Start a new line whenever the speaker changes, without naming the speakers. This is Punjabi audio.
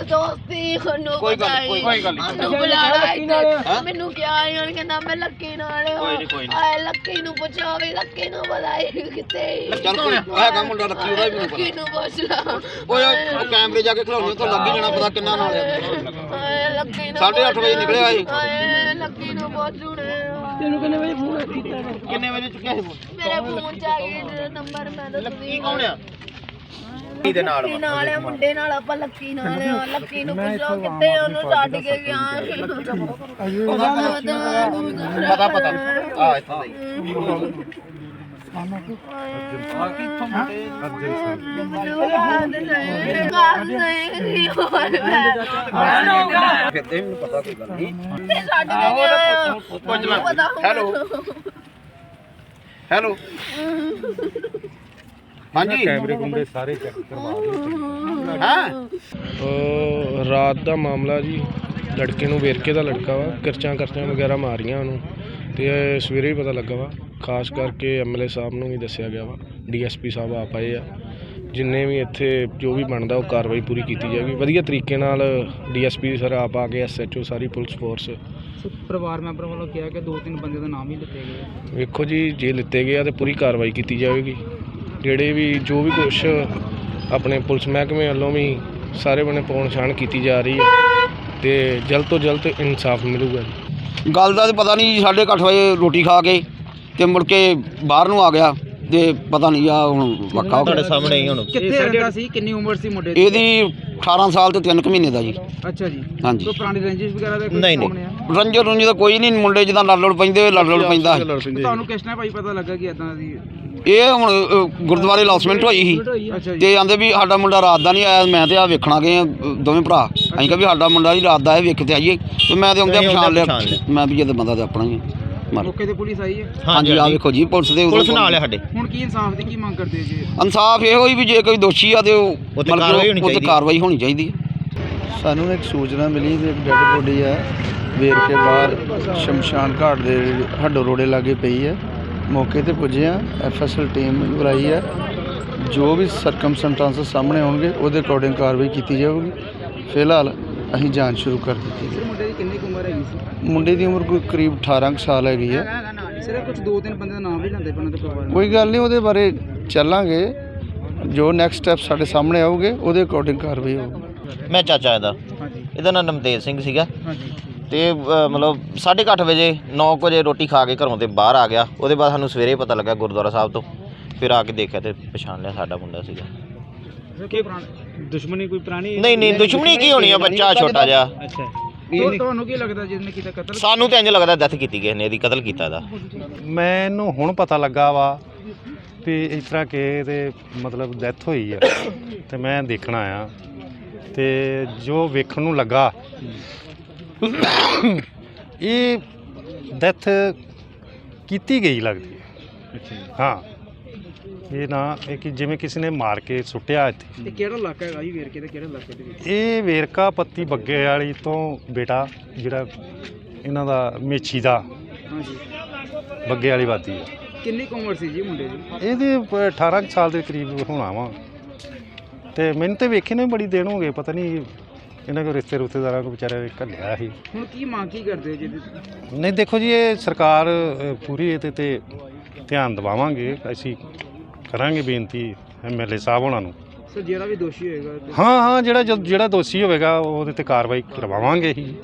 ਦੋਸਤੀ ਉਹਨੂੰ
ਕੋਈ ਗੱਲ
ਮੈਨੂੰ ਬੁਲਾਣਾ ਇੱਥੇ ਮੈਨੂੰ ਕਿਹਾ ਯਾਰ ਕਹਿੰਦਾ ਮੈਂ ਲੱਕੀ ਨਾਲ ਆਏ ਲੱਕੀ ਨੂੰ ਪੁੱਛੋ ਵੀ ਲੱਕੀ ਨੂੰ ਬੁਲਾਈ ਕਿਤੇ
ਚੱਲ ਕੋਈ ਹੈਗਾ ਮੁੰਡਾ ਲੱਕੀ ਉਹਦਾ ਵੀ
ਲੱਕੀ ਨੂੰ ਪੁੱਛ ਲਾ
ਓਏ ਉਹ ਕੈਮਰੇ ਜਾ ਕੇ ਖਲਾਉਣੀ ਤਾਂ ਲੱਗ ਹੀ ਜਾਣਾ ਪਤਾ ਕਿੰਨਾ ਨਾਲ
ਆਏ ਲੱਕੀ ਨੂੰ
8:30 ਵਜੇ ਨਿਕਲਿਆ ਸੀ
ਆਏ ਲੱਕੀ ਨੂੰ ਪੁੱਛੂਣੇ
ਤੈਨੂੰ ਕਿੰਨੇ ਵਜੇ ਫੋਨ ਕੀਤਾ
ਕਿੰਨੇ ਵਜੇ ਚੁੱਕਿਆ ਸੀ ਫੋਨ
ਮੇਰੇ ਫੋਨ ਚ ਆ ਗਿਆ ਨੰਬਰ ਮੈਂ ਦੱਸਦੀ
ਕੌਣ ਆ
ਦੇ ਨਾਲ ਆ ਮੁੰਡੇ ਨਾਲ ਆਪਾਂ ਲੱਕੀ ਨਾਲ ਆ ਲੱਕੀ ਨੂੰ ਪੁੱਛੋ ਕਿੱਥੇ ਉਹਨੂੰ ਛੱਡ ਕੇ ਗਿਆ
ਪਤਾ ਆ ਇੱਥੋਂ ਕਿਤੇ ਮੈਨੂੰ ਪਤਾ ਕੋਈ ਗੱਲ ਨਹੀਂ
ਛੱਡ ਕੇ ਗਿਆ
ਹੈਲੋ ਹੈਲੋ ਹਾਂਜੀ
ਕੈਮਰੇ ਕੁੰਡੇ ਸਾਰੇ ਚੈੱਕ ਕਰਵਾ ਦਿਓ।
ਹਾਂ
ਰਾਤ ਦਾ ਮਾਮਲਾ ਜੀ, ਲੜਕੇ ਨੂੰ ਵੇਰਕੇ ਦਾ ਲੜਕਾ ਵਾ, ਕਿਰਚਾਂ ਵਗੈਰਾ ਮਾਰੀਆਂ ਉਹਨੂੰ ਤੇ ਸਵੇਰੇ ਹੀ ਪਤਾ ਲੱਗਾ ਵਾ। ਖਾਸ ਕਰਕੇ ਐਮਐਲਏ ਸਾਹਿਬ ਨੂੰ ਵੀ ਦੱਸਿਆ ਗਿਆ ਵਾ, ਡੀਐਸਪੀ ਸਾਹਿਬ ਆਪ ਆਏ ਆ। ਜਿੰਨੇ ਵੀ ਇੱਥੇ ਜੋ ਵੀ ਬਣਦਾ ਉਹ ਕਾਰਵਾਈ ਪੂਰੀ ਕੀਤੀ ਜਾਏਗੀ ਵਧੀਆ ਤਰੀਕੇ ਨਾਲ। ਡੀਐਸਪੀ ਸਰ ਆਪ ਆ ਕੇ ਐਸਐਚਓ ਸਾਰੀ ਪੁਲਿਸ ਫੋਰਸ।
ਪਰਿਵਾਰ ਮੈਂਬਰ ਵੱਲੋਂ ਕਿਹਾ ਕਿ 2-3 ਬੰਦੇ ਦਾ ਨਾਮ ਹੀ ਲਿੱਤੇ ਗਏ।
ਵੇਖੋ ਜੀ, ਜੇ ਲਿੱਤੇ ਗਏ ਆ ਤੇ ਪੂਰੀ ਕਾਰਵਾਈ ਕੀਤੀ ਜਾਵੇਗੀ। ਜਿਹੜੇ ਵੀ ਜੋ ਵੀ ਕੁਛ ਆਪਣੇ ਪੁਲਿਸ ਮਹਿਕਮੇ ਵੱਲੋਂ ਵੀ ਸਾਰੇ ਬਣੇ ਪਛਾਣ ਕੀਤੀ ਜਾ ਰਹੀ ਹੈ ਤੇ ਜਲਦ ਤੋਂ ਜਲਦ ਇਨਸਾਫ ਮਿਲੂਗਾ ਜੀ।
ਗੱਲ ਦਾ ਤਾਂ ਪਤਾ ਨਹੀਂ, 8:30 ਵਜੇ ਰੋਟੀ ਖਾ ਕੇ ਤੇ ਮੁੜ ਕੇ ਬਾਹਰ ਨੂੰ ਆ ਗਿਆ ਤੇ ਪਤਾ ਨਹੀਂ ਆ ਹੁਣ ਵੱਖਾ ਤੁਹਾਡੇ ਸਾਹਮਣੇ ਹੀ। ਹੁਣ
ਕਿੱਥੇ ਰਹਿੰਦਾ ਸੀ, ਕਿੰਨੀ ਉਮਰ ਸੀ ਮੁੰਡੇ ਦੀ?
ਇਹਦੀ 18 ਸਾਲ ਤੇ 3 ਮਹੀਨੇ ਦਾ ਜੀ।
ਅੱਛਾ ਜੀ।
ਹਾਂਜੀ।
ਕੋਈ ਪੁਰਾਣੀ ਰੰਜਿਸ਼ ਵਗੈਰਾ ਦਾ
ਨਹੀਂ ਰੰਜੋ ਦਾ ਕੋਈ ਨਹੀਂ, ਮੁੰਡੇ ਜਿੱਦਾਂ ਲੜ ਪੈਂਦੇ ਲੜ ਪੈਂਦਾ।
ਤੁਹਾਨੂੰ ਕਿਸ ਤਰ੍ਹਾਂ ਭਾਈ ਪਤਾ ਲੱਗਾ ਕਿ ਇਦਾਂ ਦੀ?
ਇਹ ਹੁਣ ਗੁਰਦੁਆਰੇ ਲੌਸਮੈਂਟ ਹੋਈ ਸੀ
ਅੱਛਾ ਜੀ।
ਤੇ ਆਂਦੇ ਵੀ ਸਾਡਾ ਮੁੰਡਾ ਰਾਤ ਦਾ ਨਹੀਂ ਆਇਆ। ਮੈਂ ਤੇ ਆ ਵੇਖਣਾ ਗਏ ਦੋਵੇਂ ਭਰਾ। ਅਸੀਂ ਕਿਹਾ ਵੀ ਸਾਡਾ ਮੁੰਡਾ ਜੀ ਰਾਤ ਦਾ ਆਇਆ, ਵੇਖ ਤੇ ਆਈਏ। ਤੇ ਮੈਂ ਤੇ ਆਉਂਦੇ ਪਛਾਣ ਲਿਆ, ਮੈਂ ਵੀ ਇਹ ਬੰਦਾ ਤੇ ਆਪਣਾ ਹੀ
ਮੌਕੇ ਤੇ ਪੁਲਿਸ ਆਈ ਹੈ?
ਹਾਂਜੀ ਆ ਵੇਖੋ ਜੀ, ਪੁਲਿਸ ਨਾਲ ਆ ਸਾਡੇ।
ਹੁਣ ਕੀ ਇਨਸਾਫ ਦੀ ਕੀ ਮੰਗ ਕਰਦੇ ਜੀ?
ਇਨਸਾਫ ਇਹੋ ਹੀ ਵੀ ਜੇ ਕੋਈ ਦੋਸ਼ੀ ਆ ਤੇ ਉਹ ਕਾਰਵਾਈ ਹੋਣੀ ਚਾਹੀਦੀ ਹੈ।
ਸਾਨੂੰ ਇੱਕ ਸੂਚਨਾ ਮਿਲੀ ਕਿ ਇੱਕ ਡੈੱਡ ਬੋਡੀ ਹੈ ਵੇਰਕੇ ਬਾਹਰ ਸ਼ਮਸ਼ਾਨ ਘਾਟ ਦੇ ਹੱਡੋ ਰੋੜੇ ਲਾਗੇ ਪਈ ਹੈ। ਮੌਕੇ ਤੇ ਪੁੱਜੇ ਆ, ਐਫਐਸਐਲ ਟੀਮ ਬੁਲਾਈ ਹੈ। ਜੋ ਵੀ ਸਰਕਮਸਟੈਂਸਸ ਸਾਹਮਣੇ ਆਉਣਗੇ ਉਹਦੇ ਅਕੋਰਡਿੰਗ ਕਾਰਵਾਈ ਕੀਤੀ ਜਾਊਗੀ। ਫਿਲਹਾਲ ਅਸੀਂ ਜਾਂਚ ਸ਼ੁਰੂ ਕਰ ਦਿੱਤੀ ਹੈ।
ਮੁੰਡੇ ਦੀ ਕਿੰਨੀ ਉਮਰ ਹੈਗੀ ਸੀ?
ਮੁੰਡੇ ਦੀ ਉਮਰ ਕੋਈ ਕਰੀਬ 18 ਕੁ ਸਾਲ ਹੈਗੀ ਹੈ।
ਸਿਰਫ ਕੁਝ 2-3 ਬੰਦੇ ਦਾ ਨਾਮ ਵੀ ਲੈਂਦੇ ਪਏ ਉਹਨਾਂ ਦੇ ਪਰਿਵਾਰ।
ਕੋਈ ਗੱਲ ਨਹੀਂ, ਉਹਦੇ ਬਾਰੇ ਚੱਲਾਂਗੇ। ਜੋ ਨੈਕਸਟ ਸਟੈਪ ਸਾਡੇ ਸਾਹਮਣੇ ਆਉਗੇ ਉਹਦੇ ਅਕੋਰਡਿੰਗ ਕਾਰਵਾਈ ਹੋਊਗੀ।
ਮੈਂ ਚਾਚਾ ਇਹਦਾ ਨਾਮ ਨਮਤੇਜ ਸਿੰਘ ਸੀਗਾ ਤੇ ਮਤਲਬ 8:30 ਵਜੇ 9 ਵਜੇ ਰੋਟੀ ਖਾ ਕੇ ਘਰੋਂ ਤੇ ਬਾਹਰ ਆ ਗਿਆ। ਉਹਦੇ ਬਾਅਦ ਸਾਨੂੰ ਸਵੇਰੇ ਪਤਾ ਲੱਗਾ ਗੁਰਦੁਆਰਾ ਸਾਹਿਬ ਤੋਂ, ਫਿਰ ਆ ਕੇ ਦੇਖਿਆ ਤੇ ਪਛਾਣ ਲਿਆ ਸਾਡਾ ਮੁੰਡਾ ਸੀਗਾ।
ਦੁਸ਼ਮਣੀ ਕੋਈ ਪੁਰਾਣੀ?
ਨਹੀਂ ਦੁਸ਼ਮਣੀ ਕੀ ਹੋਣੀ ਆ, ਬੱਚਾ ਛੋਟਾ ਜਿਹਾ।
ਅੱਛਾ,
ਤੁਹਾਨੂੰ ਕੀ ਲੱਗਦਾ ਜਿਹਨੇ ਕੀਤਾ ਕਤਲ?
ਸਾਨੂੰ ਤਾਂ ਇੰਜ ਲੱਗਦਾ ਡੈਥ ਕੀਤੀ ਕਿਸੇ ਨੇ, ਇਹਦੀ ਕਤਲ ਕੀਤਾ ਇਹਦਾ।
ਮੈਨੂੰ ਹੁਣ ਪਤਾ ਲੱਗਾ ਵਾ ਵੀ ਇਸ ਤਰ੍ਹਾਂ ਕਿ ਇਹਦੇ ਮਤਲਬ ਡੈਥ ਹੋਈ ਆ ਤੇ ਮੈਂ ਦੇਖਣ ਆਇਆ ਤੇ ਜੋ ਵੇਖਣ ਨੂੰ ਲੱਗਾ ਇਹ ਡੈਥ ਕੀਤੀ ਗਈ ਲੱਗਦੀ ਹੈ। ਹਾਂ, ਇਹ ਨਾ ਇਹ ਕਿ ਜਿਵੇਂ ਕਿਸੇ ਨੇ ਮਾਰ ਕੇ ਸੁੱਟਿਆ ਇੱਥੇ।
ਤੇ ਕਿਹੜਾ ਇਲਾਕਾ ਹੈਗਾ ਜੀ ਵੇਰਕੇ ਦਾ, ਕਿਹੜੇ ਇਲਾਕੇ ਦੇ ਵਿੱਚ?
ਇਹ ਵੇਰਕਾ ਪੱਤੀ ਬੱਗੇ ਵਾਲੀ ਤੋਂ ਬੇਟਾ ਜਿਹੜਾ ਇਹਨਾਂ ਦਾ ਮੇਛੀ ਦਾ
ਹਾਂਜੀ।
ਬੱਗੇ ਵਾਲੀ ਵਾਦੀ ਹੈ।
ਕਿੰਨੀ ਕੁ ਉਮਰ ਸੀ ਜੀ ਮੁੰਡੇ ਦੀ?
ਇਹਦੇ 18 ਕੁ ਸਾਲ ਦੇ ਕਰੀਬ ਹੋਣਾ ਵਾ ਤੇ ਮੈਨੂੰ ਤੇ ਵੇਖੇ ਨੇ ਬੜੀ ਦੇਰ ਹੋ ਗਏ। ਪਤਾ ਨਹੀਂ ਇਹਨਾਂ ਕੋਲ ਰਿਸ਼ਤੇਦਾਰਾਂ ਕੋਲ ਵਿਚਾਰੇ ਘੱਲਿਆ ਸੀ।
ਹੁਣ ਕੀ ਮੰਗ ਕੀ ਕਰਦੇ ਹੋ ਜੀ?
ਨਹੀਂ ਦੇਖੋ ਜੀ, ਇਹ ਸਰਕਾਰ ਪੂਰੀ ਇਹਦੇ ਤੇ ਧਿਆਨ ਦਿਵਾਵਾਂਗੇ। ਅਸੀਂ ਕਰਾਂਗੇ ਬੇਨਤੀ ਐਮਐਲਏ ਸਾਹਿਬ ਉਹਨਾਂ ਨੂੰ।
ਸਰ ਜਿਹੜਾ ਵੀ ਦੋਸ਼ੀ ਹੋਏਗਾ
ਹਾਂ ਜਿਹੜਾ ਦੋਸ਼ੀ ਹੋਵੇਗਾ ਉਹਦੇ ਤੇ ਕਾਰਵਾਈ ਕਰਵਾਵਾਂਗੇ ਹੀ।